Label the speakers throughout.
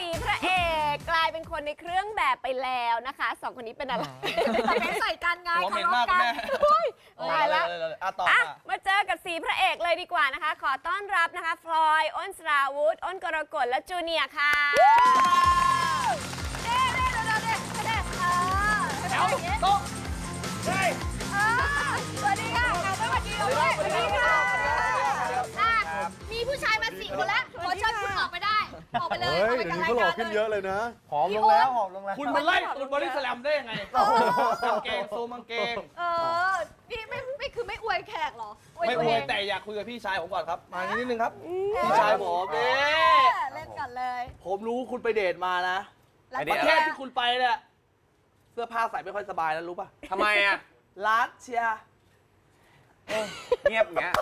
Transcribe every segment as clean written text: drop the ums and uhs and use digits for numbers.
Speaker 1: 4 พระเอกกลายเป็นคนในเครื่องแบบไปแล้วนะคะ2 คนนี้เป็นอะไร
Speaker 2: เป็นใส่กันไง
Speaker 3: หัวเหม็นมากแม่
Speaker 1: ตายแล้ว
Speaker 3: ต่อ
Speaker 1: อ่ะ
Speaker 3: ค่ะ
Speaker 1: มาเจอกับ4 พระเอกเลยดีกว่านะคะ ขอต้อนรับนะคะพลอยอ้นสราวุธอ้นกรกฎและจูเนียร์ค่ะ
Speaker 3: โต๊ะใช่
Speaker 2: สวัสดีค่ะเอาไปสวัสดีเราด้วยสวัสดีค่ะมีผู้ชายมา4 คนแล้วขอเชิญคุณออกไปได้ ออกไปเลย
Speaker 4: เฮ้ย เดี๋ยวนี้เขาหล่อขึ้นเยอะเลยนะ
Speaker 3: หอมลงแล้วหอมลงแล้วคุณมาไล่ตูนบอดี้สแลมได้ยังไงกางเกงโซมังเกง
Speaker 2: นี่ไม่คือไม่อวยแขกหรอ
Speaker 3: ไม่อวยแต่อยากคุยกับพี่ชายผมก่อนครับ มานิดนึงครับ พี่ชายผมเด้
Speaker 2: เล่นกันเลย
Speaker 3: ผมรู้คุณไปเดทมานะประเทศที่คุณไปเนี่ยเสื้อผ้าใส่ไม่ค่อยสบายแล้วรู้ป่ะ
Speaker 5: ทำไมอ่ะ
Speaker 3: รัสเซีย
Speaker 5: เงียบอย่างเงี้ย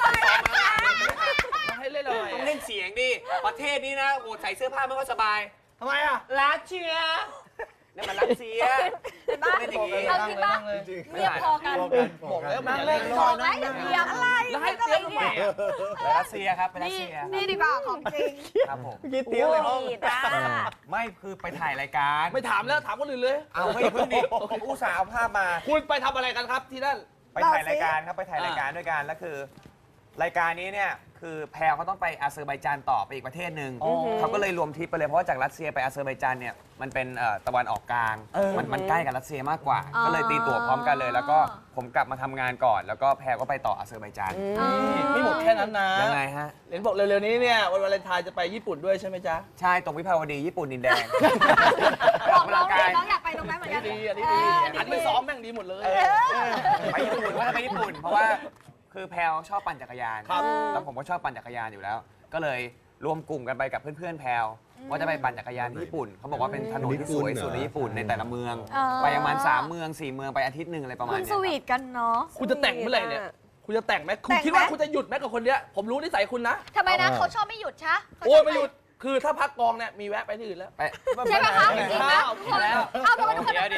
Speaker 3: มาให้เล่นอะไร
Speaker 5: ต้องเล่นเสียงดิ ประเทศนี้นะโอ้ใส่เสื้อผ้าไม่ค่อยสบาย
Speaker 3: ทำไมอ่ะ
Speaker 5: รัสเซียนี่มันรัสเซียเล่นอย่างงี้
Speaker 2: เอาจริงปะเรียบพอกัน
Speaker 3: บอกแล้วนั่งเล่น
Speaker 2: บอกแล้วอย่าเตรียมอะไร
Speaker 3: แล้วให้เตี้ยทำไมอ่ะ
Speaker 5: ไปรัสเซียครับไปรัสเซีย
Speaker 2: นี่ดีกว่าของจริง
Speaker 5: ครับผม
Speaker 3: เตี้ยเลยห้อง
Speaker 5: ไม่คือไปถ่ายรายการ
Speaker 3: ไม่ถามแล้วถามคนอื่นเลย
Speaker 5: เอาไม่เพิ่งดิผมอุตส่าห์เอาภาพมา
Speaker 3: คุณไปทำอะไรกันครับที่นั่น
Speaker 5: ไปถ่ายรายการครับไปถ่ายรายการด้วยกันแล้วคือ รายการนี้เนี่ยคือแพรเขาต้องไปอาเซอร์ไบจานต่อไปอีกประเทศหนึ่งเขาก็เลยรวมทริปไปเลยเพราะว่าจากรัสเซียไปอาเซอร์ไบจานเนี่ยมันเป็นตะวันออกกลางมันใกล้กับรัสเซียมากกว่า ก็เลยตีตั๋วพร้อมกันเลย แล้วก็ผมกลับมาทำงานก่อน แล้วก็แพรก็ไปต่ออาเซอร์ไบจาน
Speaker 3: ไม่หมดแค่นั้นนะ
Speaker 5: ยังไงฮะ
Speaker 3: เห็นบอกเร็วๆนี้เนี่ยวันวาเลนไทน์จะไปญี่ปุ่นด้วยใช่ไหมจ๊ะ
Speaker 5: ใช่ตรงวิภาวดีญี่ปุ่นดินแดง
Speaker 2: บอกน้องดิน้องอยากไปตรงนั้นเหมือนกัน
Speaker 3: ดีอันนี้ดีอันไม่ซ้อมแม่งดีหมดเลย
Speaker 5: ไปญี่ปุ่นว่าจะไปญี่ปุ่น เพราะว่าคือแพรชอบปั่นจักรยาน
Speaker 3: ครับ
Speaker 5: แล้วผมก็ชอบปั่นจักรยานอยู่แล้ว ก็เลยรวมกลุ่มกันไปกับเพื่อนๆแพรว่าจะไปปั่นจักรยานที่ญี่ปุ่นเขาบอกว่าเป็นถนนที่สวยสุดในญี่ปุ่นในแต่ละเมือง ไปประมาณ3 เมือง 4 เมืองไปอาทิตย์หนึ่งอะไรประมาณ
Speaker 2: คุณ
Speaker 5: เนี้
Speaker 2: ส
Speaker 5: ย
Speaker 2: วีทกันเนาะ
Speaker 3: คุณจะแต่งเมื่อไหร่เนี่ย คุณจะแต่งไหมคุณคิดว่าคุณจะหยุดไหมกับคนเนี้ย ผมรู้นิสัยคุณนะ
Speaker 2: ทำไมนะเขาชอบไม่หยุดชะ
Speaker 3: โอ้ยไม่หยุด คือถ้าพักกองเนี่ยมีแวะไปที่อื่นแล้ว
Speaker 5: ไป
Speaker 2: ใช่ไหมคะจริงๆนะ
Speaker 3: กินแล้ว
Speaker 2: เอาไปทุกคน
Speaker 5: เดี๋ยว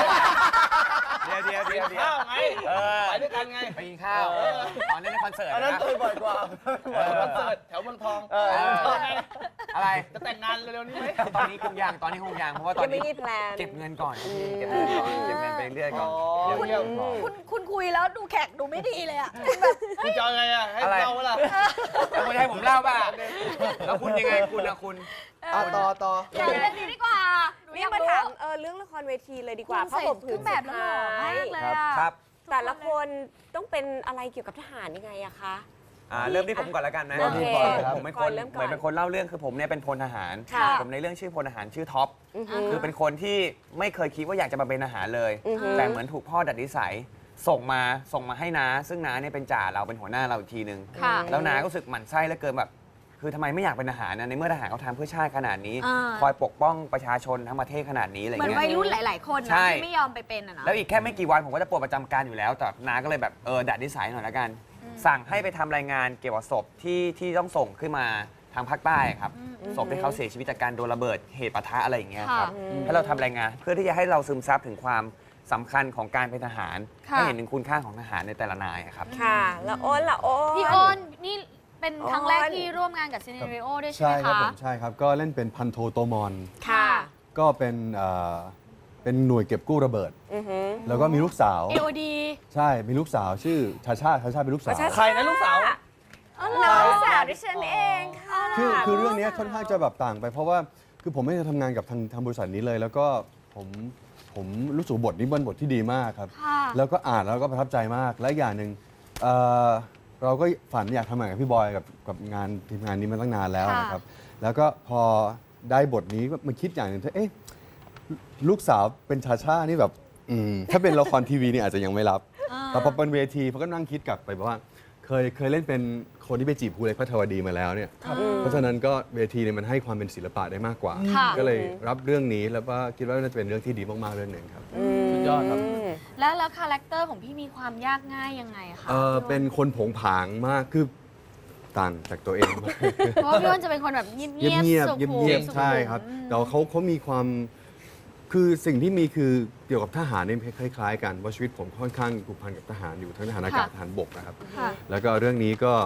Speaker 3: ข้าวไงไปด้วยกันไง
Speaker 5: ไปกินข้าวตอนเล่นในคอนเสิร์ต
Speaker 3: อันนั้น
Speaker 5: นะ
Speaker 3: เคยบ่อยกว่าคอนเสิร์ตแถวเมืองทอง
Speaker 5: อะไร
Speaker 3: จะแต่งงานเร็วๆนี้ไหม
Speaker 5: ตอนนี้คงยังเพราะว่าตอน
Speaker 1: ยังไม่
Speaker 5: นี้
Speaker 1: มีแพลน
Speaker 5: เก็บเงินก่อนเก็บเงินไปเรื่อยๆก่อน
Speaker 3: เดี๋ยว
Speaker 2: คุณคุยแล้วดูแขกดูไม่ดีเลยอะ
Speaker 3: คุณจะเอาไงอ่ะให้เราเวลา
Speaker 5: แล้วคุณให้ผมเล่าป่ะแล้วคุณยังไงคุณนะคุณ
Speaker 3: ต่อ
Speaker 2: อยากเล่นดีดีกว่า
Speaker 1: นี่มาถามเรื่องละครเวทีเลยดีกว่าเพราะผม
Speaker 2: เครื่องแบบแล้วหล่อมากเลยอะ
Speaker 5: ครับ
Speaker 1: แต่ละคนต้องเป็นอะไรเกี่ยวกับทหารยังไงอะคะ
Speaker 5: เริ่มที่ผมก่อนแล้วกันนะ
Speaker 1: โอเค
Speaker 5: ผมเป็นคน
Speaker 1: เริ่มก่อน
Speaker 5: เหมือนเป็นคนเล่าเรื่องคือผมเนี่ยเป็นพลทหาร
Speaker 1: ค่ะ
Speaker 5: ผมในเรื่องชื่อพลทหารชื่อท็อปคือเป็นคนที่ไม่เคยคิดว่าอยากจะมาเป็นทหารเลย แต่เหมือนถูกพ่อดัดนิสัยส่งมาให้น้าซึ่งน้าเนี่ยเป็นจ่าเราเป็นหัวหน้าเราอีกทีนึง
Speaker 2: ค่ะ
Speaker 5: แล้วน้าก็รู้สึกหมั่นไส้เหลือเกินแบบคือทำไมไม่อยากเป็นทหารนะในเมื่อทหารเขาทำเพื่อชาติขนาดนี้ คอยปกป้องประชาชนทั้งประเทศขนาดนี้อะไร
Speaker 2: เหมือน
Speaker 5: เงี้
Speaker 2: วัย
Speaker 5: ย
Speaker 2: รุ่นหลาย ๆ คน
Speaker 5: ใช่
Speaker 2: นะที่ไม่ยอมไปเป็นอะนะ
Speaker 5: แล้วอีกแค่ไม่กี่วันผมก็จะปลดประจำการอยู่แล้วแต่น้าก็เลยแบบดัดนิสัยหน่อยละกัน สั่งให้ไปทำรายงานเกี่ยวกับศพที่ต้องส่งขึ้นมาทางภาคใต้ครับศพที่เขาเสียชีวิตจากการโดนระเบิดเหตุปะทะอะไรอย่างเงี้ยครับให้เราทำรายงานเพื่อที่จะให้เราซึมซับถึงความสำคัญของการเป็นทหารให้เห็นถึงคุณค่าของทหารในแต่ละนายครับ
Speaker 1: ค่ะแล้วอ้นล่ะอ้น
Speaker 2: พี่อ้นนี่เป็นครั้งแรกที่ร่วมงานกับซีเนริโอด้วยใช่
Speaker 4: ใช่
Speaker 2: ไหม
Speaker 4: ครับ
Speaker 2: คะ
Speaker 4: ผมใช่ครับ ก็เล่นเป็นพันโทโตมอน
Speaker 1: ค่ะ
Speaker 4: ก็เป็นหน่วยเก็บกู้ระเบิด แล้วก็มีลูกสาว
Speaker 2: AOD
Speaker 4: ใช่ มีลูกสาวชื่อชาชาเป็นลูกสาว
Speaker 3: ใครนะลูกสาว
Speaker 1: น้องสาวดิฉันเองค่ะ
Speaker 4: คือเรื่องนี้ค่อนข้างจะแบบต่างไป เพราะว่าคือผมไม่ได้ทำงานกับทางบริษัทนี้เลย แล้วก็ผมรู้สึกบทนี้เป็นบทที่ดีมากครับ
Speaker 2: ค่ะ
Speaker 4: แล้วก็อ่านแล้วก็ประทับใจมาก และอย่างหนึ่งเราก็ฝันอยากทำงานกับพี่บอยกับงานทีมงานนี้มาตั้งนานแล้วนะครับ แล้วก็พอได้บทนี้มาคิดอย่างหนึ่งเอ๊ะลูกสาวเป็นชาชานี่แบบถ้าเป็นละครทีวีนี่อาจจะยังไม่รับแต่พอเป็นเวทีเขาก็นั่งคิดกลับไปว่าเคยเล่นเป็นคนที่ไปจีบครูเล็กพระธวดีมาแล้วเนี่ยเพราะฉะนั้นก็เวทีเนี่ยมันให้ความเป็นศิลปะได้มากกว่า ก็เลยรับเรื่องนี้แล้วก็คิดว่าน่าจะเป็นเรื่องที่ดีมากๆเรื่องหนึ่งครับ
Speaker 3: สุดยอดครับ
Speaker 2: แล้วคาแรคเตอร์ของพี่มีความยากง่ายยังไงคะ
Speaker 4: เป็นคนโผงผางมากคือต่างจากตัวเองมาก
Speaker 2: เพราะว่าพี่อ้นจะเป็นคนแบบเงียบ
Speaker 4: เงียบ
Speaker 2: สุขุม
Speaker 4: เงียบ
Speaker 2: สุขุม
Speaker 4: ใช่ครับแต่ว่าเขามีความคือสิ่งที่มีคือเกี่ยวกับทหารเนี่ยคล้ายๆกันเพราะชีวิตผมค่อนข้างผูกพันกับทหารอยู่ทั้งทหารอากาศทหารบกนะครับ
Speaker 2: ค่ะ
Speaker 4: แล้วก็เรื่องนี้ก็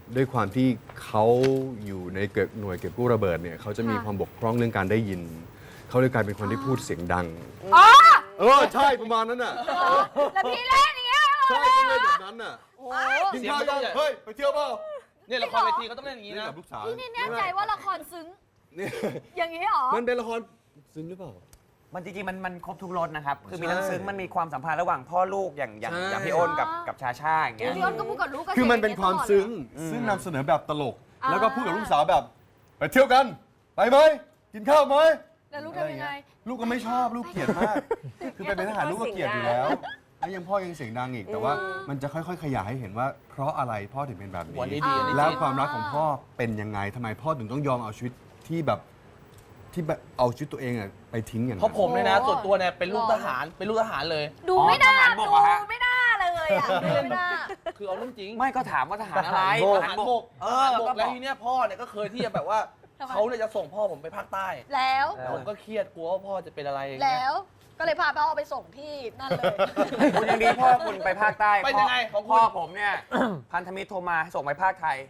Speaker 4: ด้วยความที่เขาอยู่ในหน่วยเก็บกู้ระเบิดเนี่ยเขาจะมีความบกพร่องเรื่องการได้ยิน เขาเลยกลายเป็นคนที่พูดเสียงดัง
Speaker 2: อ๋อ
Speaker 4: ใช่ประมาณนั้นน่ะ
Speaker 2: แล้วพี่เล่นอย่างเงี้ย
Speaker 4: ใช่ก็เลยแบบนั้นน่ะ
Speaker 2: โอ้
Speaker 4: กินข้าวยังเฮ้ยไปเที่ยวเปล่า
Speaker 3: เนี่ยละครเวทีเขาต้องเล่นอย่างนี้
Speaker 4: เล่น
Speaker 3: นะ
Speaker 4: กับลูกสาว
Speaker 2: พี่นี่แน่ใจว่าละครซึ้ง
Speaker 4: เนี่ย
Speaker 2: อย่างนี้เหรอ
Speaker 4: มันเป็นละครซึ้งหรือเปล่า
Speaker 5: มันจริงๆมันครบทุกรสนะครับ คือมี
Speaker 4: ใช่
Speaker 5: ทั้งซึ้งมันมีความสัมพันธ์ระหว่างพ่อลูกอย่าง
Speaker 4: ใช่
Speaker 5: พี่อ้นกับชาชาอย่างเงี้ย
Speaker 2: พี่อ้นก็พูดกับลูกก็
Speaker 4: คือมันเป็นความซึ้ง ซึ่งนำเสนอแบบตลก แล้วก็พูดกับลูกสาวแบบ ไปเที่ยวกัน ไปไหมกินข้าวไหม
Speaker 2: แล้วลูกทำยังไง
Speaker 4: ลูกก็ไม่ชอบลูกเกลียดมาก คือไปเป็นทหารลูกก็เกลียดอยู่แล้ว แล้วยังพ่อยังเสียงดังอีก แต่ว่ามันจะค่อยๆ ขยายให้เห็นว่า เพราะอะไรพ่อถึงเป็นแบบ
Speaker 3: วัน
Speaker 4: นี้
Speaker 3: นี้ดีอันนี้
Speaker 4: แล้ว
Speaker 3: จริง
Speaker 4: ความรักของพ่อเป็นยังไงทำไมพ่อถึงต้องยอมเอาชีวิตที่แบบเอาชีวิตตัวเองอะไปทิ้งอย่าง
Speaker 3: เพ
Speaker 4: นั้น
Speaker 3: ราะผมเนี่ยนะ
Speaker 2: โอ้
Speaker 3: ส่วนตัวเนี่ยเป็นลูกทหารเป็นลูกทหารเลย
Speaker 2: ดูไม่น่า
Speaker 5: ทหารบ
Speaker 2: ดู
Speaker 5: กเหรอฮะ
Speaker 2: ไม่น่าเลยอ่ะดูไม่น่า
Speaker 3: คือเอาเรื่องจริง
Speaker 5: ไม่ก็ถามว่าทหารอะไร
Speaker 3: ทหารบก
Speaker 5: เอ
Speaker 3: ท
Speaker 5: อ
Speaker 3: หารบ
Speaker 5: ก็
Speaker 3: ก
Speaker 5: บ
Speaker 3: แล้ว
Speaker 5: อก
Speaker 3: ทีเนี้ยพ่อเนี่ยก็เคยที่จะแบบว่า
Speaker 2: ทำไม
Speaker 3: เขาเนี่ยจะส่งพ่อผมไปภาคใต้
Speaker 2: แล้ว
Speaker 3: ผมก็เครียดกลัวว่าพ่อจะเป็นอะไรอย่าง
Speaker 2: แล้
Speaker 3: เงี้ยว
Speaker 2: ก็เลยพาพ่อไปส่งที่นั่นเลย
Speaker 5: คุณยังดีพ่อคุณไปภาคใต้
Speaker 3: เป็นยังไงของคุณ
Speaker 5: พ่อผมเนี่ย พันธมิตรโทรมาส่งไปภาคไทย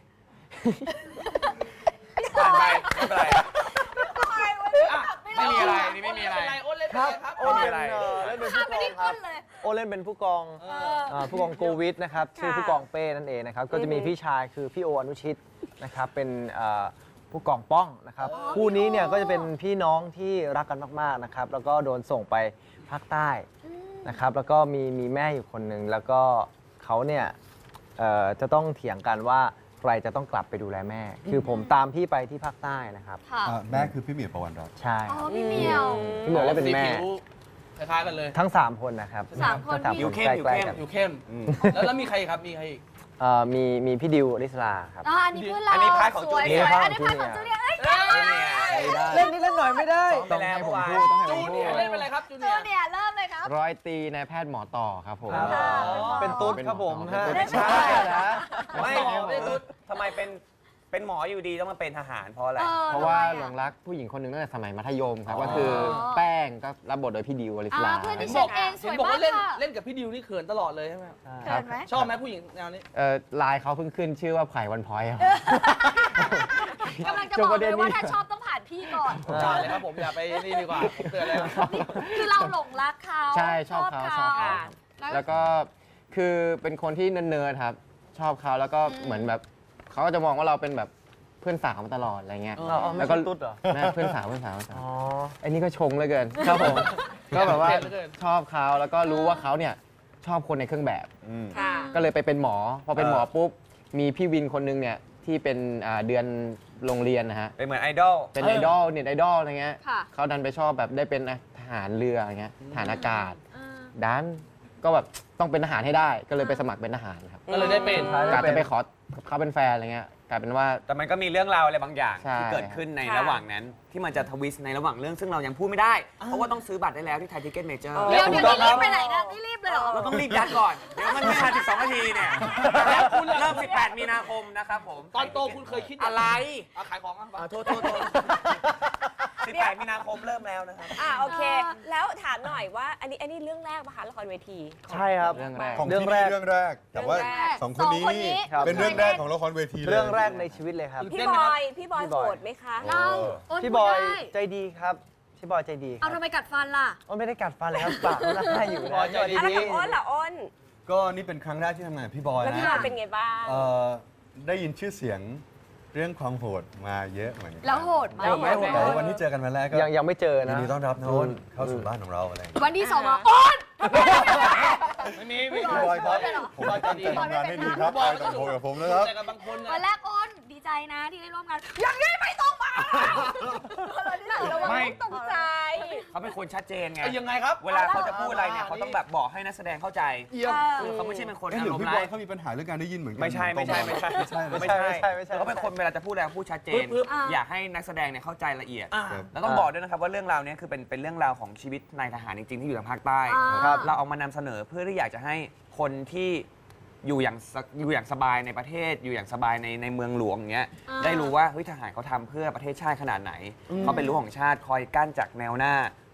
Speaker 5: ผ่านไปไม่เป็นไร
Speaker 3: อ่ะ
Speaker 5: ไม่มีอะไรนี่ไม่มีอะไร
Speaker 3: โอ้เล่นเป็นอะไรครับ
Speaker 6: โอ้เล่นเล่นเป็น
Speaker 2: ข้า
Speaker 6: ผู้
Speaker 2: มไป
Speaker 6: กอง
Speaker 2: ที่
Speaker 6: ครั
Speaker 2: ก้
Speaker 6: บ
Speaker 2: นเลย
Speaker 6: โอเล่นเป็นผู้กอง
Speaker 3: เออ
Speaker 6: ผู้กองโกวิทนะครับชื่อผู้กองเป้นั่นเองนะครับก็จะมีพี่ชายคือพี่โออนุชิตนะครับเป็นผู้กองป้องนะครับคู่นี้เนี่ยก็จะเป็นพี่น้องที่รักกันมากๆนะครับแล้วก็โดนส่งไปภาคใต้นะครับแล้วก็มีแม่อยู่คนหนึ่งแล้วก็เขาเนี่ยจะต้องเถียงกันว่าใครจะต้องกลับไปดูแลแม่ คือผมตามพี่ไปที่ภาคใต้นะครับ
Speaker 2: ค่ะ
Speaker 4: แม่คือพี่เหมียวประวันรัตน์
Speaker 6: ใช่
Speaker 2: อ๋อ
Speaker 6: ครับ
Speaker 2: พี่เหมียว
Speaker 6: พี่เหมียวเล่นเป็นแม่
Speaker 3: สีผิวคล้ายๆกันเลย
Speaker 6: ทั้ง 3 คนนะครับ
Speaker 2: สามคน
Speaker 6: ทั้ง
Speaker 2: พี่
Speaker 5: อยู่เข้ม
Speaker 6: ใกล้ๆกัน
Speaker 3: อยู่เข้ม แล้วมีใครครับมีใครอีก
Speaker 6: มีพี่ดิวอลิสลาครับ
Speaker 2: อ๋ออันนี้เพื่อนเรา
Speaker 5: อันนี้พาร์ทของ
Speaker 2: สวย
Speaker 5: จูเนียร์
Speaker 2: ๆอันนี้พาร์ทของจูเนียร์เอ้ย
Speaker 6: เล่นนี่เล่นหน่อยไม่ได้
Speaker 5: ซ้อมไปแล้ว
Speaker 6: ต้องให้ผมพูดต้องให้ผ
Speaker 3: จู
Speaker 6: มพู
Speaker 3: เนีย
Speaker 6: ด
Speaker 3: ร์เล่นเป็นอะไรครับจู
Speaker 2: จู
Speaker 3: เนียร์
Speaker 2: เนียร์เริ่มเลยครับ
Speaker 6: ร้อยตรีนายแพทย์หมอต่อครับผม
Speaker 3: ครับ
Speaker 6: เป็นตุ๊ดครับผม
Speaker 5: ไม่ใช่
Speaker 6: นะ
Speaker 5: ไม่ทำไมเป็นหมออยู่ดีต้องมาเป็นทหารเพราะอะไร
Speaker 6: เพราะว่าหลงรักผู้หญิงคนหนึ่งตั้งแต่สมัยมัธยมครับก็คือแป้งก็รับบทโดยพี่ดิวอลิสลา
Speaker 2: เพื่อน
Speaker 3: เห็
Speaker 2: ที่
Speaker 3: น
Speaker 2: เช็
Speaker 3: บอก
Speaker 2: คเองส
Speaker 3: เห็น
Speaker 2: วย
Speaker 3: บอก
Speaker 2: มาก
Speaker 3: ว่าเล่น
Speaker 2: ค่ะ
Speaker 3: เล่นกับพี่ดิวนี่เขินตลอดเลยใช่ไหมครับ
Speaker 2: เขินไหม
Speaker 3: ชอบไหมผู้หญิงแนวนี้
Speaker 6: ไลน์เขาเพิ่งขึ้นชื่อว่าไผ่วันพอยต์ครับ
Speaker 2: กำลังจะบอกเลยว่าถ้าชอบต้องผ่านพี่ก่อน
Speaker 3: อย่าเลยครับผมอย่าไปนี่ดีกว่าผมเตือนเลยครับ
Speaker 2: คือเราหลงรักเขา
Speaker 6: ใช่ชอบเขาชอบเขา แล้วก็คือเป็นคนที่เนิร์ดๆครับ ชอบเขาแล้วก็เหมือนแบบเขาก็จะมองว่าเราเป็นแบบเพื่อนสาวมาตลอดอะไรเงี้ยแล้วก็ตุ๊ดเหรอแม่เพื่อนสาวอ๋อไอ้นี่ก็ชงเหลยเกินครับผมก็แบบว่า
Speaker 3: เท่เหลือเกิน
Speaker 6: ชอบเขาแล้วก็รู้ว่าเขาเนี่ยชอบคนในเครื่องแบบ
Speaker 1: ค่ะ
Speaker 6: ก็เลยไปเป็นหมอ พอเป็นหมอปุ๊บมีพี่วินคนนึงเนี่ยที่เป็นเดือนโรงเรียนนะฮะ
Speaker 5: เป็นเหมือนไอดอล
Speaker 6: เป็นไอดอลเน็ตไอดอลอะไรเงี้ย
Speaker 2: ค่ะ
Speaker 6: เขาดันไปชอบแบบได้เป็นทหารเรืออะไรเงี้ยทหารอากาศ
Speaker 2: อ่า
Speaker 6: ดันก็แบบต้องเป็นทหารให้ได้ก็เลยไปสมัครเป็นทหารครับ
Speaker 3: ก็เลยได้เป็น
Speaker 6: กะจะไปขอเขาเป็นแฟนอะไรเงี้ยกลายเป็นว่า
Speaker 5: แต่มันก็มีเรื่องราวอะไรบางอย่าง
Speaker 6: ใช่
Speaker 5: ที่เกิดขึ้นใน
Speaker 1: ค่ะ
Speaker 5: ระหว่างนั้น ที่มันจะทวิสต์ในระหว่างเรื่องซึ่งเรายังพูดไม่ได้ เพราะว่าต้องซื้อบัตรได้แล้วที่ไทยทิเก็ตเมเจอร์
Speaker 2: เดี๋ยวนี่รีบไปไหนนะนี่รีบเลยเหรอ
Speaker 5: เราต้องรีบยัดก่อน เดี๋ยวมันไม่ทัน12 นาทีเนี่ยแล้วคุณเริ่ม 18 มีนาคมนะครับผม
Speaker 3: ตอนโตคุณเคยคิด
Speaker 5: อะไร
Speaker 3: เอาขายของอ่ะ
Speaker 5: โทษ18 มีนาคมเริ่มแล้วนะครับ
Speaker 1: โอเค แล้วถามหน่อยว่าอันนี้เรื่องแรกปะคะละครเวที
Speaker 6: ใช่ครับเรื่องแรก
Speaker 4: ของ
Speaker 6: เรื่อง
Speaker 4: ที่
Speaker 6: แร
Speaker 4: นี่
Speaker 6: ก
Speaker 4: เรื่องแรก แต่ว่า
Speaker 1: เรื่องแรก
Speaker 4: สองคนนี้นี่
Speaker 6: ครับ
Speaker 4: เป็นเรื่องแรกของละครเวทีเลย
Speaker 6: เรื่องแรกในชีวิตเลยครับ
Speaker 1: พี่บอยโสดไหมคะ
Speaker 2: เล่าอ้น
Speaker 6: พี่
Speaker 2: พู
Speaker 6: บ
Speaker 2: ด
Speaker 6: อย
Speaker 2: ได้
Speaker 6: ใจดีครับพี่บอยใจดีค
Speaker 2: เอา
Speaker 6: รับ
Speaker 2: ทำไมกัดฟันล่ะ
Speaker 6: อ้นไม่ได้กัดฟันเลยครับปากมันน่าอยู่
Speaker 3: พี่
Speaker 6: นะ
Speaker 3: บอยใจดี
Speaker 1: แล้วกับอ้นล่ะอ้น
Speaker 4: ก็นี่เป็นครั้งแรกที่ทำงานกับพี่บอย
Speaker 1: แล้ว
Speaker 4: นะ
Speaker 1: พี่บอยเป็นไงบ้าง
Speaker 4: ได้ยินชื่อเสียงเรื่องความโหดมาเยอะเหมือนกั
Speaker 2: แล้วโหดไหม
Speaker 1: โหดไหม
Speaker 4: แต่ว่าวันที่เจอกันวันแรกก็
Speaker 6: ยังไม่เจอ
Speaker 4: ยิ
Speaker 6: นะ
Speaker 4: นดีต้อนรับนะอ้นเข้าสู่บ้านของเราอะไรอย่างเงี้ย
Speaker 2: วันที่สองอ่ะอ้น
Speaker 3: ไม่มี
Speaker 2: พี่
Speaker 3: พี่
Speaker 2: บบ อ
Speaker 3: อย ย
Speaker 2: ครับ
Speaker 4: ผมตั้งใจทำงานให้ดีครับไปต่างโกับผมนะครับ
Speaker 3: แต่กับบางคน
Speaker 2: วันแรกอ้นดีใจนะที่ได้ร่วมงานอย่างนี้ไม่ต้องมา
Speaker 5: ไม่
Speaker 1: ตกใจ
Speaker 5: เขาเป็นคนชัดเจนไง
Speaker 3: ยังไงครับ
Speaker 5: เวลาเขาจะพูดอะไรเนี่ยเขาต้องแบบบอกให้นักแสดงเข้าใจ
Speaker 3: เยี่ยม
Speaker 5: คือเขาไม่ใช่เป็นคน
Speaker 4: เอ๊ะ
Speaker 5: อา
Speaker 4: หรือ
Speaker 5: รมณ์
Speaker 4: พี่บ
Speaker 5: ร้า
Speaker 4: อย
Speaker 5: ย
Speaker 4: เขามีปัญหาเรื่องการได้ยินเหมือนกัน
Speaker 5: ไม่ใช่
Speaker 4: ไม่ใช่
Speaker 5: เขาเป็นคนเวลาจะพูดอะไรพูดชัดเจน
Speaker 3: ปึ๊บ
Speaker 5: อยากให้นักแสดงเนี่ยเข้าใจละเอียด
Speaker 3: อ่า
Speaker 5: แล้วต้องบอกด้วยนะครับว่าเรื่องราวเนี้คือเป็นเรื่องราวของชีวิตนายทหารจริงๆที่อยู่ทางภาคใต้
Speaker 6: ครับ
Speaker 5: เราเอามานำเสนอเพื่อที่อยากจะให้คนที่อยู่อย่างสบายในประเทศ อยู่อย่างสบายในเมืองหลวงอย่างเงี้ย
Speaker 2: อ่า
Speaker 5: ได้รู้ว่าเฮ้ยทหารเขาทำเพื่อประเทศชาติขนาดไหน เขาเป็นรั้วของชาติคอยกั้นจากแนวหน้า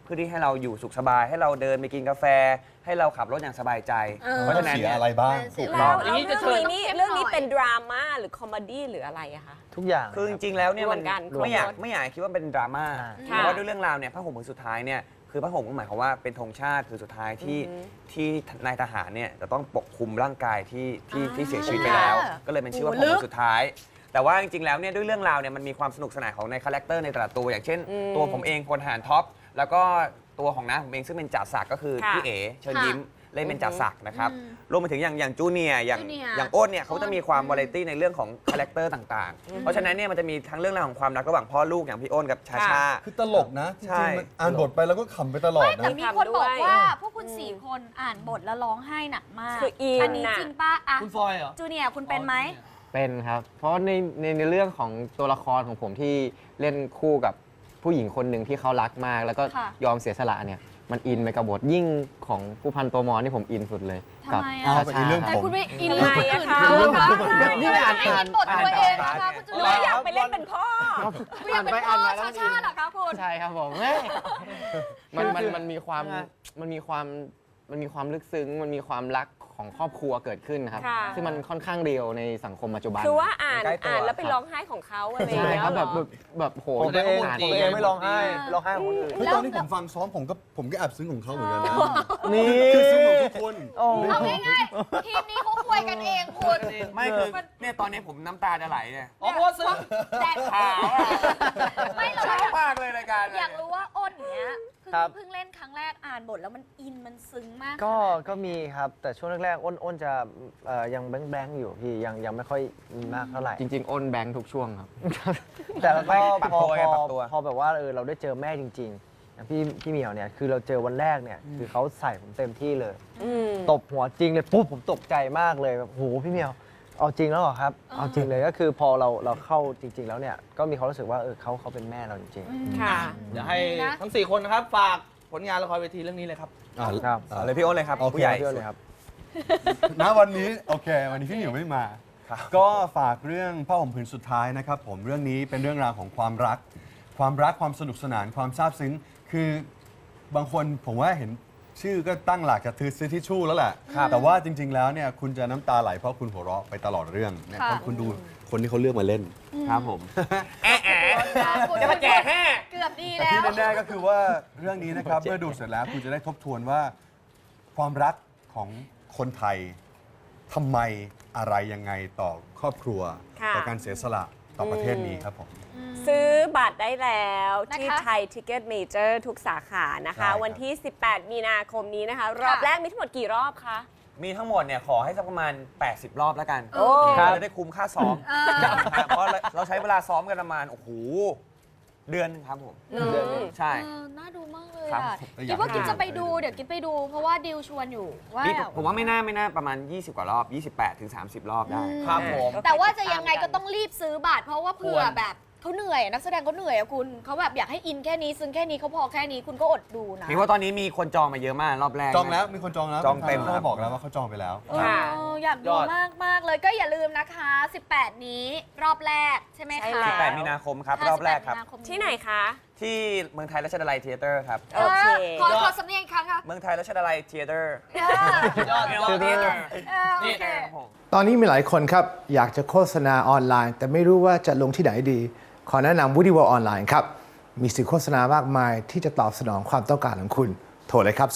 Speaker 5: เพื่อที่ให้เราอยู่สุขสบาย ให้เราเดินไปกินกาแฟ ให้เราขับรถอย่างสบายใจ เพราะฉะนั้น
Speaker 4: เสีย
Speaker 5: เนี่ย
Speaker 4: อะไรบ้าง
Speaker 5: ถูก
Speaker 1: แล้
Speaker 5: ต้อ
Speaker 1: ว
Speaker 5: ง
Speaker 1: เรื่องนี้เป็นดราม่าหรือคอมเมดี้หรืออะไรอะคะ
Speaker 6: ทุกอย่าง
Speaker 5: คือจริงๆแล้วเนี่ยมัน
Speaker 1: รวมกัน
Speaker 5: ไม่อยาก
Speaker 1: ครบรส
Speaker 5: ไม่อยากคิดว่าเป็นดราม่า
Speaker 1: ค่ะ
Speaker 5: เพราะว่าด้วยเรื่องราวเนี่ยผ้าห่มผืนสุดท้ายเนี่ยคือผ้าห่มก็หมายความว่าเป็นธงชาติผืนสุดท้ายที่นายทหารเนี่ยจะต้องปกคลุมร่างกายที่เสียชีวิตไปแล้ว ก็เลยเป็นชื่อว่าผ้าห่มผืนสุดท้าย แต่ว่าจริงๆแล้วเนี่ยด้วยเรื่องราวเนี่ยมันมีความสนุกสนานของในคาแรคเตอร์ในแต่ละตัวอย่างเช่น ตัวผมเองพลทหารท็อปแล้วก็ตัวของน้าผมเองซึ่งเป็นจ่าศักดิ์ก็คือ
Speaker 1: ค่ะ
Speaker 5: พี่เอ๋เชิญยิ้มเล่นเป็นจ่าศักดิ์นะครับ
Speaker 2: อืม
Speaker 5: รวมไปถึงอย่างจูเนียร์อย่าง
Speaker 2: จูเนียร์
Speaker 5: อย่างโอ้นเนี่ยเขาจะมีความวาไรตี้ในเรื่องของคาแรคเตอร์ต่างๆ เพราะฉะนั้นเนี่ยมันจะมีทั้งเรื่องราวของความรักระหว่างพ่อลูกอย่างพี่โอ้นกับชาชา
Speaker 4: คือตลกนะจ
Speaker 5: ใช่
Speaker 4: ริงๆมันอ่านบทไปแล้วก็ขำไปตลอด
Speaker 2: ไม่แต่
Speaker 4: นะ
Speaker 2: มีคนบอกว่าพวกคุณ4 คนอ่านบทแล้วร้องไห้หนักมาก
Speaker 1: คืออิน
Speaker 2: อันนี้
Speaker 1: น่ะ
Speaker 2: จริงป่ะอะ
Speaker 3: คุณฟอยเหรอ
Speaker 2: จูเนียร์คุณเป็นไหม
Speaker 6: เป็นครับ เพราะในเรื่องของตัวละครของผมที่เล่นคู่กับผู้หญิงคนหนึ่งที่เขารักมาก แล้วก็
Speaker 2: ค่ะ
Speaker 6: ยอมเสียสละเนี่ยมันอินไปกับบทยิ่งของผู้พันตัวมอนี่ผมอินสุดเลย
Speaker 2: ทำไม
Speaker 6: กั
Speaker 2: อะ
Speaker 6: บ
Speaker 4: เอาไปเรื่อง
Speaker 2: แต่
Speaker 4: ผม
Speaker 2: คุณไม่อิน
Speaker 1: ทำ
Speaker 2: เรื่
Speaker 1: ไม
Speaker 2: องคน
Speaker 1: อะ
Speaker 2: อื่น
Speaker 1: คะ
Speaker 2: เขา
Speaker 6: นี่อ่าน
Speaker 2: ไม่อินบทตัวเองนะคะคุณจู
Speaker 1: หรือ
Speaker 2: เนี
Speaker 1: ว่าย
Speaker 2: ร์
Speaker 1: อยากไปเล่นเป็นพ่อ
Speaker 2: คุณอยากเป็นพ่อชาชาเหรอคะคุณ
Speaker 6: ใช่ครับผมมันมีความมันมีความลึกซึ้งมันมีความรักของครอบครัวเกิดขึ้นนะครับ
Speaker 1: ค่ะ
Speaker 6: ซึ่งมันค่อนข้างเรียวในสังคมปัจจุบัน
Speaker 1: คือว่าอ่าน
Speaker 5: ใกล้ตัว
Speaker 1: อ่านแล้วไปร้องไห้ของเขาอะไรอย่าง
Speaker 6: ใช่
Speaker 1: เงี้ย
Speaker 6: ครับ
Speaker 1: เหรอ
Speaker 6: แบบโห
Speaker 3: ผมตัวเอง
Speaker 6: อ่าน
Speaker 3: ผม
Speaker 6: เอ
Speaker 3: เอง
Speaker 6: ง
Speaker 3: ไม่ร้องไห้
Speaker 6: ร้องไห้ของคนอื่น
Speaker 4: เฮ้ยตอนที่ผมฟังซ้อมผมก็แอบซึ้งของเขาเหมือนกันนะ
Speaker 6: นี่
Speaker 4: คือซึ้งของทุกคน
Speaker 2: เอาง่ายๆทีมนี้เขาคุยกันเองคุณ
Speaker 5: ไม่คือเนี่ยตอนนี้ผมน้ำตาจะไหลเนี่ย
Speaker 3: อ๋อเพราะว่าซื้อ
Speaker 2: แต่
Speaker 5: ขาวอะ
Speaker 2: ไม่หรอก
Speaker 5: ชอบมากเลยรายการ
Speaker 2: อยากรู้ว่าอ้นเนี้ย
Speaker 6: ครับ
Speaker 2: เพิ่งเล่นครั้งแรกอ่านบทแล้วมันอินมันซึ้งมาก
Speaker 6: ก็มีครับ แต่ช่วงแรกๆอ้นจะยังแบงค์อยู่พี่ยังไม่ค่อยมากเท่าไหร่
Speaker 7: จริงๆ อ้นแบงค์ทุกช่วงครับ
Speaker 6: แต่แล้วก็
Speaker 5: ปรับ
Speaker 6: พอ
Speaker 5: ตัวไงปรับตัว
Speaker 6: พอแบบว่าเราได้เจอแม่จริงๆอย่างพี่เหมียวเนี่ยคือเราเจอวันแรกเนี่ยคือเขาใส่ผมเต็มที่เลย ตบหัวจริงเลยปุ๊บผมตกใจมากเลยแบบโหพี่เหมียวเอาจริงแล้วเหรอครับ เอาจริงเลยก็คือพอเราเข้าจริง ๆ แล้วเนี่ยก็มีความรู้สึกว่าเขาเป็นแม่เราจริง
Speaker 1: ค่ะ
Speaker 3: เดี๋ยวให้ทั้ง 4 คนนะครับ ฝากผลงานละครเวทีเรื่องนี้เลยครับ
Speaker 6: ครับ
Speaker 5: เอาเลยพี่โอ้นเลยครับ
Speaker 4: โอเค
Speaker 5: ผู้ใหญ่
Speaker 6: ๆเยอะเลยครับ
Speaker 4: ณวันนี้โอเค วันนี้พี่หมิวไม่มา ก็ฝากเรื่องผ้าห่มผืนสุดท้ายนะครับผมเรื่องนี้เป็นเรื่องราวของความรัก ความสนุกสนานความซาบซึ้ง คือบางคนผมว่าเห็นชื่อก็ตั้งหลักจะซื้อทิชชู่แล้วแหละแต่ว่าจริง ๆ แล้วเนี่ยคุณจะน้ำตาไหลเพราะคุณหัวเราะไปตลอดเรื่องเนี่ย
Speaker 2: ค่ะ
Speaker 4: เพราะคุณดูคนที่เขาเลือกมาเล่น
Speaker 5: ครับผม
Speaker 2: คุณ
Speaker 5: จะมาแก่แห่
Speaker 2: เกือบดี
Speaker 4: แต่
Speaker 2: แล้ว
Speaker 4: ที่แน่ๆก็คือว่าเรื่องนี้นะครับ เมื่อดูเสร็จแล้วคุณจะได้ทบทวนว่าความรักของคนไทยทำไมอะไรยังไงต่อครอบครัว
Speaker 1: ค่ะ
Speaker 4: ต่อการเสียสละต่อประเทศนี้ครับผม
Speaker 1: ซื้อบัตรได้แล้วที่
Speaker 2: นะคะ
Speaker 1: ไทยทิกเก็ตเมเจอร์ทุกสาขานะคะ
Speaker 4: ใช่ครับ
Speaker 1: วันที่ 18 มีนาคมนี้นะคะ รอบแรกมีทั้งหมดกี่รอบคะ
Speaker 5: มีทั้งหมดเนี่ยขอให้สักประมาณ 80 รอบแล้วกัน
Speaker 1: โอ้
Speaker 5: เราจะได้คุ้มค่าซ้อมนะครับเพราะเราใช้เวลาซ้อมกันประมาณโอ้โหเดือนหนึงครับผม ใช่
Speaker 2: น่าดูมากเลย
Speaker 5: ครับ
Speaker 2: อ่ะ
Speaker 4: อยาก
Speaker 2: คิดว่า
Speaker 4: ให้
Speaker 2: กินจะไปดู
Speaker 4: ดู
Speaker 2: เดี๋ยวกินไปดู เพราะว่าดิวชวนอยู่ว่า
Speaker 5: นี่ผมว่าไม่น่าประมาณ 20 กว่ารอบ 28 ถึง 30 รอบได้
Speaker 3: ครับผม
Speaker 2: แต่ว่าจะยังไงก็ต้องรีบซื้อบัตรเพราะว่าเผื่อแบบเขาเหนื่อยนักแสดงเขาเหนื่อยอะคุณเขาแบบอยากให้อินแค่นี้ซึ้งแค่นี้เขาพอแค่นี้คุณก็อดดูนะ
Speaker 5: มีว่าตอนนี้มีคนจองมาเยอะมากรอบแรก
Speaker 4: จองแล้วมีคนจองแล้ว
Speaker 5: จองเต็ม
Speaker 4: เขา
Speaker 5: ครับ
Speaker 4: บอกแล้วว่าเขาจองไปแล้ว
Speaker 1: ค่ะ
Speaker 2: อยากดูมากเลยก็อย่าลืมนะคะ 18 นี้รอบแรกใช่ไหม
Speaker 1: ใช่
Speaker 2: คะ
Speaker 1: แล้ว
Speaker 5: 18 มีนาคมครับ รอบแรกครับ
Speaker 1: ที่ไหนคะ
Speaker 5: ที่เมืองไทยรัชดาลัยเทเตอร์ครับ
Speaker 1: โอเค
Speaker 2: ขอสำเนียงอีกครั้งค่ะ
Speaker 5: เมืองไทยรัชดาลัยเทเตอร์
Speaker 3: ยอด
Speaker 2: โอเค
Speaker 8: ตอนนี้มีหลายคนครับอยากจะโฆษณาออนไลน์ แต่ไม่รู้ว่าจะลงที่ไหนดี ขอแนะนำ Woody World ออนไลน์ครับ มีสื่อโฆษณามากมายที่จะตอบสนองความต้องการของคุณ โทรเลยครับ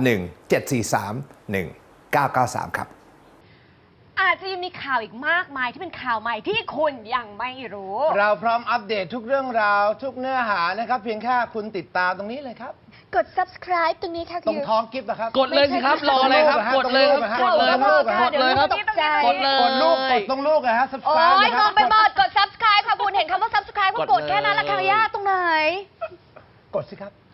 Speaker 8: 0817431993 ครับ
Speaker 9: อาจจะยังมีข่าวอีกมากมายที่เป็นข่าวใหม่ที่คุณยังไม่รู้
Speaker 10: เราพร้อมอัปเดตทุกเรื่องราวทุกเนื้อหานะครับ เพียงแค่คุณติดตามตรงนี้เลยครับ
Speaker 9: กด subscribe ตรงนี้ค่ะ
Speaker 10: ตรงท้องกิฟต์นะครับ
Speaker 3: กดเลยสิครับ รออะไรครับ กดเลยครับ
Speaker 10: กดเลยครับ
Speaker 3: กดเลยครับ
Speaker 9: ตกใจ
Speaker 3: กดเลย
Speaker 10: กดลูกกดตรงลูกนะฮะ
Speaker 9: โอ้
Speaker 10: subscribe
Speaker 9: ย
Speaker 10: นะค
Speaker 9: ง
Speaker 10: รับ
Speaker 9: งไปหมดกด subscribe ค่ะคุณเห็นคำว่า subscribe ก็กดแค่นั้นละค่ะย่าตรงไหน
Speaker 10: กดสิครับ